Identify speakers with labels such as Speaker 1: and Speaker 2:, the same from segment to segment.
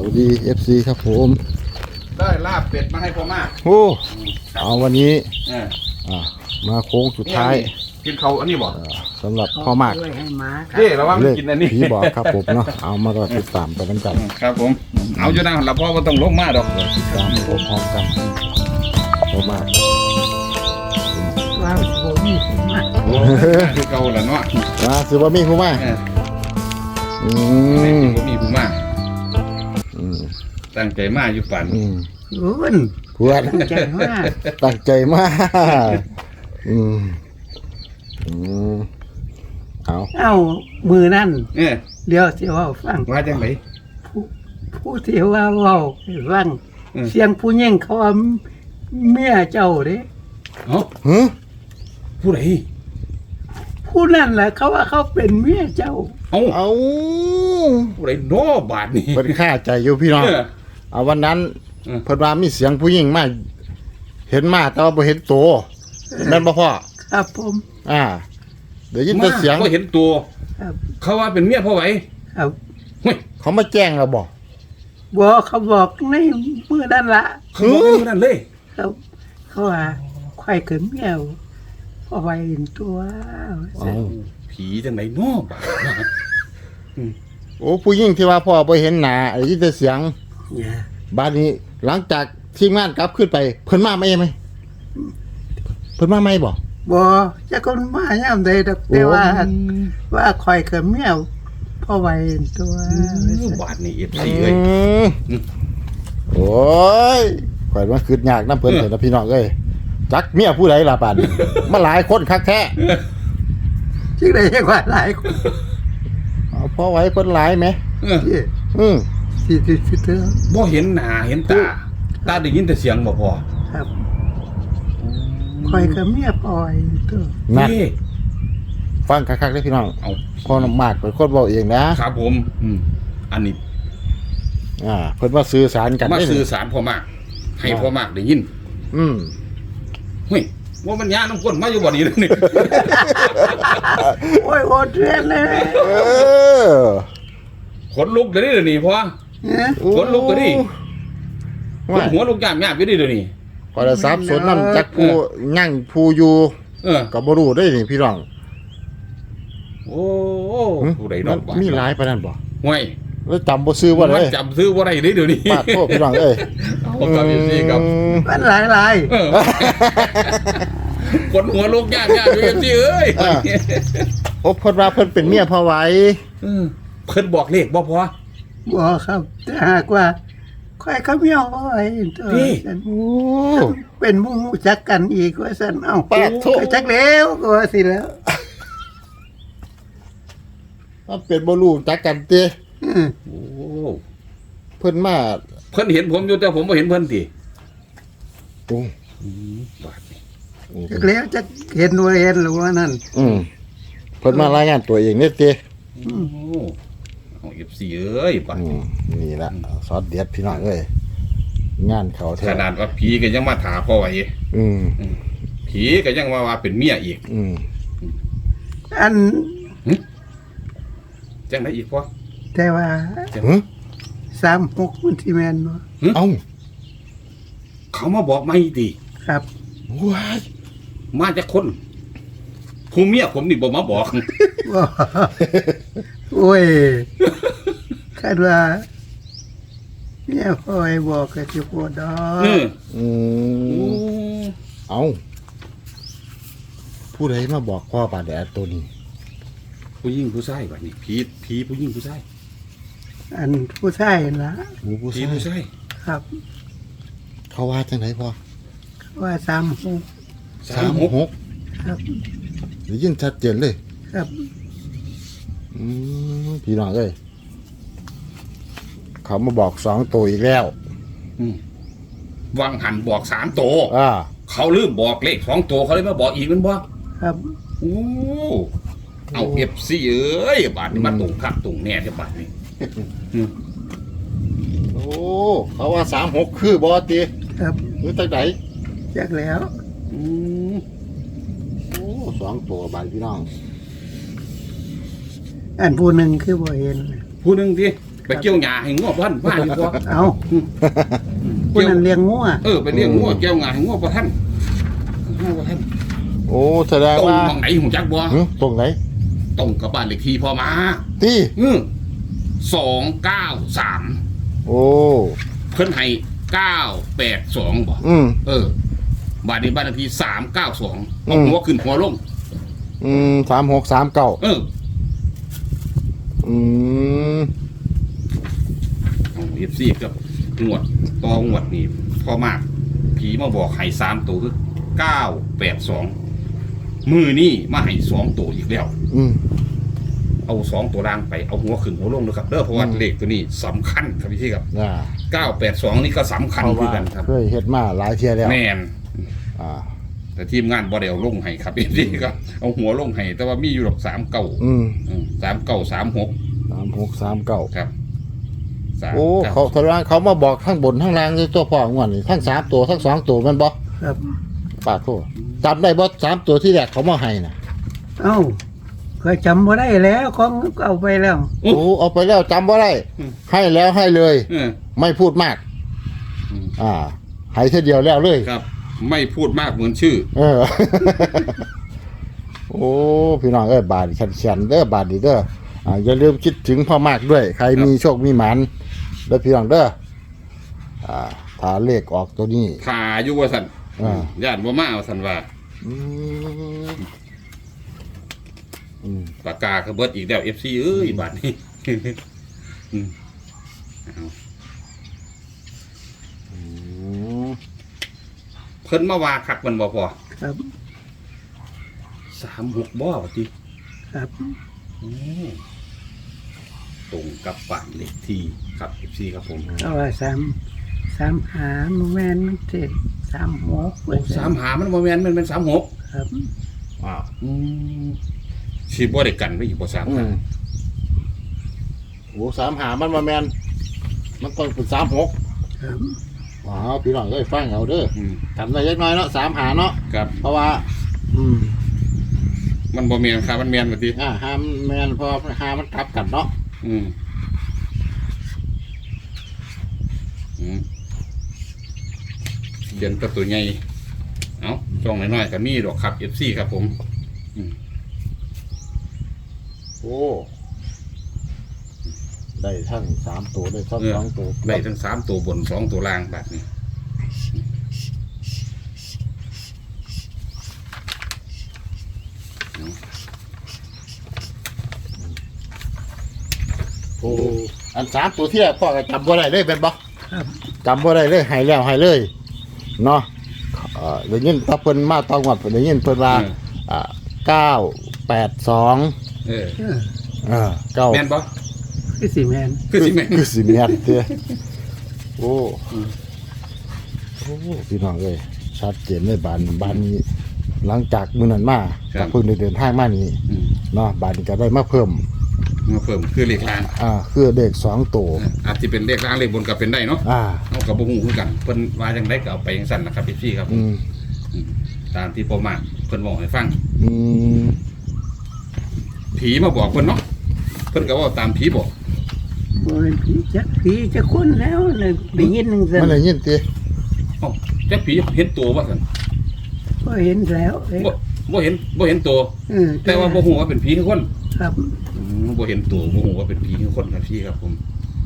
Speaker 1: วัสดี FC ครับผม
Speaker 2: ได้ลาบเป็ดมาให้พ่อมาก
Speaker 1: โอ้เอาวันนี้
Speaker 2: เออ
Speaker 1: มาโค้งสุดท้าย
Speaker 2: กินเขาอันนี้บอก
Speaker 1: สำหรับพ่อมาก
Speaker 3: ด้วยให้ม้าครับ
Speaker 2: เฮ้ระวัง
Speaker 1: เลข
Speaker 2: กินอันนี้
Speaker 1: ผีบอกครับผมเนาะเอามารอติดตามไปกันกัน
Speaker 2: ครับผมเอาอยู่นะเราพ่อว่าต้องลงมาดอก
Speaker 1: รอติดตามพร้อมๆกันพ่อมาก
Speaker 3: ว่าโบมีผมมาก
Speaker 2: โอ้คือเก่าแล้วเนาะ
Speaker 1: มาซื้อบ่มีผู้มา
Speaker 2: เออ
Speaker 1: อื
Speaker 2: นี่
Speaker 1: ม
Speaker 2: ผมมีผู้มา
Speaker 1: อืม
Speaker 2: ตั้งใจมาอยู่ฝัน
Speaker 1: อืม
Speaker 3: คุณ
Speaker 1: เพื่อน
Speaker 3: ใจมาก
Speaker 1: ตั้งใจมากอืมอืมเอา
Speaker 3: เอ้ามือนั่น
Speaker 2: เออ
Speaker 3: เดี๋ยวสิว่าฟัง
Speaker 2: ว่าจังไหน
Speaker 3: ผู้ที่ว่าเว้าให้ฟัง
Speaker 2: อืม
Speaker 3: เสียงผู้หญิงเขาว่าเมียเจ้าเด้
Speaker 2: เอ้า
Speaker 1: ฮึ
Speaker 2: ผู้ใด
Speaker 3: ผู้นั่นแหละเขาว่าเขาเป็นเมียเจ้า
Speaker 2: เอ้า
Speaker 1: เอา
Speaker 2: ผู้ใดโน้บาทนี่
Speaker 1: เป็นค่าใจอยู่พี่น้อง
Speaker 2: เออ
Speaker 1: เอาวันนั้น
Speaker 2: เออ
Speaker 1: เพิ่นว่ามีเสียงผู้หญิงมาเห็นมาแต่ว่าบ่เห็นตัวแม่นบ่พ่อ
Speaker 3: ครับผม
Speaker 1: เดี๋ยวยินแต่เสียง
Speaker 2: ก็เห็นตัว
Speaker 3: ครับ
Speaker 2: เขาว่าเป็นเมียพ่อไหว
Speaker 3: ครับ
Speaker 2: เฮ้ย
Speaker 1: เขามาแจ้งเราบอก
Speaker 3: บอกเขาบอกในมือนั่นละ
Speaker 2: เขาบอกเป็นคนนั้นเลย
Speaker 3: ครับเขาว่าควายเขินเมียวเอาไว้เห็นตัว
Speaker 2: ผีจังไหนเน้อบาท
Speaker 1: โอ้ผู้หญิงที่ว่าพ่อบ่เห็นหน้าได้ยินแต่เสียง
Speaker 3: เนี่ย
Speaker 1: บ้านนี้หลังจากทีมงานกลับขึ้นไป เพิ่นมาไหมเพิ่นมาไหมบ่
Speaker 3: บอจะคนมาย่ำใดดอกแต่ว่าคอยเขินเมียวพ่อไว้เห็นตัว
Speaker 2: บาทนี่เอฟ
Speaker 1: อื
Speaker 2: ซีเลย
Speaker 1: มโอ้ยข่อยมันคืดยากนำเพิ่นเถอะนะพี่น้องเอ้ยจักเมียผู้ใดล่ะบาดนี้มาหลายคนคักแท้
Speaker 3: ชื่อใดยังว่าหลายคน
Speaker 1: เอาพ่อไว้เพิ่นหลายไหม
Speaker 3: ที่
Speaker 1: อืม
Speaker 3: สิเธอ
Speaker 2: บ่เห็นหน้าเห็นตา ตาได้ยินแต่เสียงบ่พอ
Speaker 3: ครับคอยเขินเมียพ่อไว้เห็นตัว
Speaker 1: นั่น
Speaker 2: นี่
Speaker 1: ฟังคักๆเด้อพี่น้อง
Speaker 2: เอา
Speaker 1: พ่อน้ำมากเป็นคนเว้าเองนะครับ
Speaker 2: ผมอันนี้
Speaker 1: เพิ่นว่าสื่อสารกัน
Speaker 2: มา
Speaker 1: ได้
Speaker 2: สื่อสารพ่อมาก ให้พ่อมากได้ยิน
Speaker 1: อืม
Speaker 2: เฮ้ยว่ามันยาน้ำก้นมาอยู่บ่นี้เลยนี่
Speaker 3: โอ้ยโหดเรียนเลย
Speaker 1: เออ
Speaker 2: ขนลุกเดี๋ยวนี้เดี๋ยวนี้พ่อ
Speaker 3: เนี่ย
Speaker 2: ขนลุกก็ดิ ข
Speaker 1: ว่าน
Speaker 2: หัวลุกยามอยู่ดิเดี๋ยวนี้
Speaker 1: พอจะทรัพย์สนน้ำจักผู้ยั่งผู้อยู่
Speaker 2: เออ
Speaker 1: ก็บ่รู้ได้นี่พี่น้อง
Speaker 2: โอ้ผู้ใดด
Speaker 1: มั
Speaker 2: อน กบาท
Speaker 1: มีหลายปานนั้นบ่
Speaker 2: ห่วย
Speaker 1: แล้วจำบ่ซื้อบ่
Speaker 2: มั
Speaker 1: ได้
Speaker 2: นจำซื้อบ่ได้เลยเดี๋ยวนี้
Speaker 1: ปาดโทษพี่น้องเอ้ย
Speaker 2: ผมกับเอฟซีครับ
Speaker 3: มันหลาย
Speaker 2: เออคนหัวลุกยากอยู่เอฟซีเอ้ย
Speaker 1: โอ้เพิ่นว่าเพิ่นเป็นเมียพ่อไว้
Speaker 2: เพิ่นบอกเลขบ่พอ
Speaker 3: ๆบอกครับแต่หากว่าคอยเขินเมียวพ่อไว้เห็นตัว
Speaker 2: นี่
Speaker 3: ฉัน
Speaker 1: โอ้
Speaker 3: เป็นหมู่จักกันอีกว่าสันเอ้า
Speaker 1: ปาดโทษ
Speaker 3: ไปจักแล้วก็ว่าสิแล้ว
Speaker 1: มันเป็นบ่รู้จักกันติ
Speaker 3: อืม
Speaker 2: โอ้
Speaker 1: เพิ่นมา
Speaker 2: เพิ่นเห็นผมอยู่แต่ผมบ่เห็นเพิ่นติ
Speaker 1: โอ้
Speaker 2: บาดนี้
Speaker 3: จักแล้วจะเห็นว่าเห็นหรือว่านั่น
Speaker 1: เพิ่นมารายงานตัวเองนี่ติ
Speaker 2: โอ้เอาเอฟซีเอ้ยบาดนี้
Speaker 1: นี่ล่ะซอสเด็ดพี่น้องเอ้ยงานเขาแท้
Speaker 2: ขนาดว่าผีก็ยังมาถาพ่อไว้
Speaker 1: อืม
Speaker 2: ผีก็ยังว่าเป็นเมียอีก
Speaker 1: อืม
Speaker 3: อัน
Speaker 2: จังได๋อีกพ่อ
Speaker 3: แต่ว่า
Speaker 1: หึ
Speaker 3: 36มันที่แม่นบ่
Speaker 1: เอ้า
Speaker 2: เขามาบอกไม่ติ
Speaker 3: ครับ
Speaker 1: ว้าย
Speaker 2: มาจากคนผู้เมียผมนี่บ่มาบอก
Speaker 3: บ่โอ้ยคาดว่าเนี่ยพ่อให้บอกก็สิบ่ดอก
Speaker 2: เออ
Speaker 1: อื
Speaker 2: โอ้
Speaker 1: มเอาผู้ใดมาบอกพ่อบาดแดดตัวนี้
Speaker 2: ผู้หญิงผู้ชายบัดนี้ผีผู้หญิงผู้ชาย
Speaker 3: อันผู้ชายล่ะ
Speaker 1: หมูผู้
Speaker 2: ผี
Speaker 1: ชาย
Speaker 2: ผู้ชาย
Speaker 3: ครับ
Speaker 1: เขาว่าจังไหนพ่อ
Speaker 3: ว่า36
Speaker 1: 36
Speaker 3: ครับ
Speaker 1: ได้ยินชัดเจนเลย
Speaker 3: ครับ
Speaker 1: พี่น้องเอ้ยเขามาบอก2ตัวอีกแล้ว
Speaker 2: วังหันบอก3ตัว
Speaker 1: อ่า
Speaker 2: เขาลืมบอกเลข2ตัวเขาเลยมาบอกอีกแมันบ่
Speaker 3: ครับ
Speaker 2: โอ้เอา FC เอ้ยบาดนี้มาตุ่งคักตุ่งแน่เด้อบาดนี้
Speaker 1: โอ้เขาว่า36คือบอติ
Speaker 3: ครับ
Speaker 1: หรือจังไหน
Speaker 3: จักแล้ว
Speaker 2: อืม
Speaker 1: โอ้2ตัวบาดพี่น้อง
Speaker 3: อันผู้หนึ่งคือบ่เห็น
Speaker 2: ผู้หนึงติไปเกี่ยวหญ้าให้งัวพันมาดีกว่า
Speaker 3: เอาคนนั้นเลี้ยงงัว
Speaker 2: ไปเลี้ยงงัวเกี่ยวหญ้าให้งัวบ่ทันงัวบ่ทัน
Speaker 1: โอ้แสดง
Speaker 2: ตรง
Speaker 1: ว่า
Speaker 2: หม่องไหนหูจักบ่
Speaker 1: ตรงไหน
Speaker 2: ตรงกับบ้านเลขที่พ่อมา
Speaker 1: ตี
Speaker 2: 293
Speaker 1: โอ้
Speaker 2: เพิ่นให้982บ่ บ้านนี้บ้านเลขที่392เอาหัวขึ้นหัวลง
Speaker 1: 3639
Speaker 2: เอฟซีกับงวดต่องวดนี่พอมากผีมาบอกให้3ตัวคือ982มือนี่มาให้2ตัวอีกแล้วเอา2ตัวล่างไปเอาหัวขึ้นหัวลงนะครับเด้อเพราะว่าเลขตัวนี้สำคัญครับพี่ครับ982นี่ก็สำคัญคือกันครับ
Speaker 1: เคยเฮ็ดมาหลายเที่ยแล้ว
Speaker 2: แม่นแต่ทีมงานบ่ได้เอาลงให้ครับพี่ครับเอาหัวลงให้แต่ว่ามีอยู่ดอก3936 ครับ
Speaker 1: โอ้เขามาบอกทั้งบนทั้งล่างเลยตัวพ่องวดนี่ทั้ง3ตัวทั้ง2ตัวมันบ่
Speaker 3: ครับ
Speaker 1: ปากโทษจำได้บ่3ตัวที่แรกเขามาให้น่ะ
Speaker 3: เอ้าเคยจำบ่ได้แล้วของเอาไปแล้ว
Speaker 1: โอ้เอาไปแล้วจำบ่ได้ให้แล้วให้เลยไม่พูดมากให้ทีเดียวแล้วเลย
Speaker 2: ครับไม่พูดมากเหมือนชื่อ
Speaker 1: โอ้พี่น้องบาดแขนเด้อบาดดีเด้ออย่าลืมคิดถึงพ่อมากด้วยใครมีโชคมีหมานเด้อพี่น้องเด้อถ้าเลขออกตัวนี้
Speaker 2: ถ่าอยู่ว่าซั่นญาติบ่มาว่าซั่นว่าปากกาก็เบิดอีกแล้ว FC เอ้ยบาดนี้เพิ่นมาว่าคักมันบ่พอ
Speaker 3: ครับ
Speaker 2: 36บ่ว่าติ
Speaker 3: ครับ
Speaker 2: ตรงกับบ้านเลขที่ครับ FC ครับผม
Speaker 3: เอาว่า3หาแม่นมันเจ็ด36
Speaker 2: 3หามันบ่แม่นมันเป็น36
Speaker 3: ครับ
Speaker 2: สิบ่ได้กันไว้อยู่บ่3หา
Speaker 1: โอ้3หามันบ่แม่นมันต้องเป็น36
Speaker 3: ครับ
Speaker 1: พี่น้องฟังเอาเด้อทำได้เล็กน้อยเนาะ3หาเนาะ
Speaker 2: ครับ
Speaker 1: เพราะว่า
Speaker 2: มันบ่แม่นครับมันแม่นบ่ติ
Speaker 1: หาแม่นเพราะหามันกลับกันเนาะ
Speaker 2: เขียนตัวใหญ่เอาช่องน้อยๆก็มีดอกครับ FC ครับผม
Speaker 1: โอ้ได้ทั้ง3ตัวได้ทั้ง2ตัว
Speaker 2: ได้ทั้ง3ตัวบน2ตัวล่างแบบนี้
Speaker 1: โอ้อัน3ตัวที่พ่อก็จำบ่ได้เลยเป็นบ่
Speaker 3: ครับ
Speaker 1: จำบ่ได้เลยให้แล้วให้เลยเนาะได้ยินตะเพิ่นมาตองวัดได้ยินเพิ่นว่า9829
Speaker 2: แม่นบ่
Speaker 3: คือสิแม่น
Speaker 1: เด้อโอ้พี่น้องชัดเจนเลยบ้านนี้หลังจากมื้อนั้นมาก็เพิ่งได้เดินทางมานี่เนาะบ้านนี้ก็ได้มาเพิ่ม
Speaker 2: คือเลขล่าง
Speaker 1: คือเลข2ตัว
Speaker 2: อาจจะเป็นเลขล่างเลขบนก็เป็นได้เนาะเฮาก็บ่ฮู้คือกันเพิ่นว่าจังได๋ก็เอาไปจังซั่นล่ะครับพี่ครับตามที่พ่อมากเพิ่นบอกให้ฟังผีมาบอกเพิ่นเนาะเพิ่นก็ว่าตามผีบอก
Speaker 3: บ่เป็นผีจะคนแล้วน่ะได้ยินจังซั่น
Speaker 1: มันได้ยินติ
Speaker 2: จักผีเห็นตัวบ่ซั่น
Speaker 3: บ่เห็นแล้ว
Speaker 2: บ่เห็นตัวแต่ว่าบ่ฮู้ว่าเป็นผีคือคน
Speaker 3: ครับ
Speaker 2: บ่เห็นตัวบ่ฮู้ว่าเป็นผีคือคนครับพี่ครับผม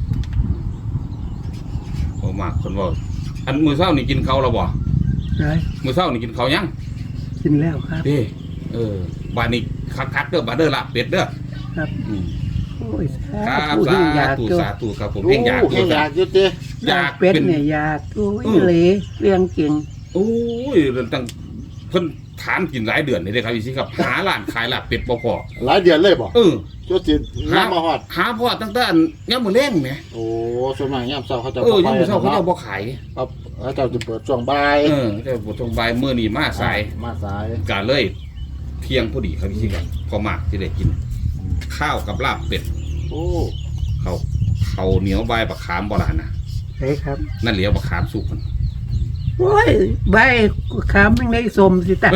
Speaker 2: พ่อมากเพิ่นว่าอันมื้อเช้านี่กินข้าวแล้วบ่มื้อเช้านี่กินข้าวยัง
Speaker 3: กินแล้วครับ
Speaker 2: บ้านนี้คักๆเด้อบ้านเด้อลาบเป็ดเด้อ
Speaker 3: ครับโอ้ย
Speaker 2: ครับสาธุครับผม
Speaker 1: อยากอยู่ติ
Speaker 3: อยากเป็ดเนี่ยอยากโอ้ยเหลเรื่องจริง
Speaker 2: โอ้ยตั้งเพิ่นถามกินหลายเดือนนี่เด้ครับพี่สิครับหาร้านขายลาบเป็ดบ่พอ
Speaker 1: หลายเดือนเลยบ่จนสิน้ำมาฮอด
Speaker 2: หาพอตั้งแต่ยามมื้อแลงแหม
Speaker 1: โอ้ส่วนมากยามเช้าเขาจะ
Speaker 2: ยามมื้อเช้าเขาจะบ่ขาย
Speaker 1: ครับเขาจะเปิดช่วงบ่าย
Speaker 2: จะเปิดช่วงบ่ายมื้อนี้มาสายก็เลยเที่ยงพอดีครับพี่สิครับพอมากสิได้กินข้าวกับลาบเป็ด
Speaker 1: โอ้
Speaker 2: เขาเหนียวใบบักขามบ่ล่ะนะ
Speaker 3: ใช่ครับ
Speaker 2: นั่นเหลียวบักขามสุกมัน
Speaker 3: โอ้ยใบขามยังได้สมสิตา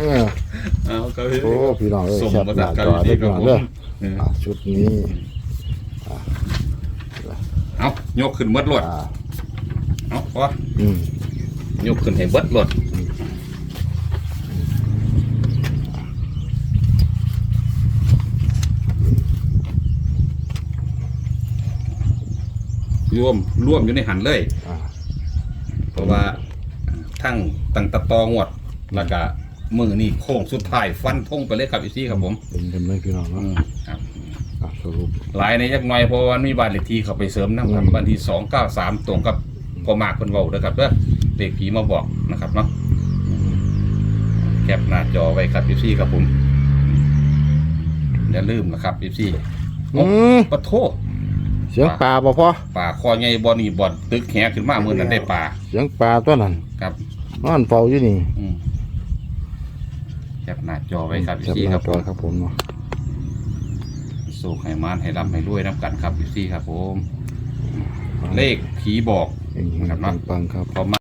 Speaker 1: โอ้พี่น้องสมมาจากกันที่พี่น้องเด้อชุดนี้
Speaker 2: เอายกขึ้นเบิดรถ
Speaker 1: อ่า
Speaker 2: เอาพอ
Speaker 1: อืม
Speaker 2: ยกขึ้นให้เบิดรถร่วมอยู่ในหันเลย
Speaker 1: อ่า
Speaker 2: เพราะว่าทั้งตั้งตะตองวดแล้วก็มือนี่โค้งสุดท้ายฟันธงไปเลยครับอีซี่ครับผม
Speaker 1: เป็นกันเลยพี่น้องเนาะ
Speaker 2: ครับ
Speaker 1: อ่ะสรุป
Speaker 2: หลายในยักหน่อยเพราะว่ามีบ้านเลขที่เขาไปเสริมนะครับบ้านที่293ตรงกับพอมากคนเว้าเด้อครับเด้อเลขผีมาบอกนะครับเนาะแคปหน้าจอไว้ครับอีซี่ครับผมอย่าลืมนะครับอีซี่ ปะโท
Speaker 1: เสียงปลาบ่พอ
Speaker 2: ป่าคอใหญ่บ่อนี่บ่อนตึกแหขึ้นมามื้อนั้นได้ป่า
Speaker 1: เสียงปลาตัวนั้น
Speaker 2: ครับ
Speaker 1: นอนเฝ้าอยู่นี่
Speaker 2: แคปหน้าจอไว้ครับอี
Speaker 1: จับ
Speaker 2: ซี่
Speaker 1: ห
Speaker 2: ค
Speaker 1: น้า
Speaker 2: รับ
Speaker 1: จอครับผมเนาะ
Speaker 2: สู้ให้มานให้ร่ำให้รวยน้ำกันครับอีซี่ครับผม เลขผีบอก
Speaker 1: เอง
Speaker 2: ครับเนาะ
Speaker 1: ปังๆครับ
Speaker 2: พอมา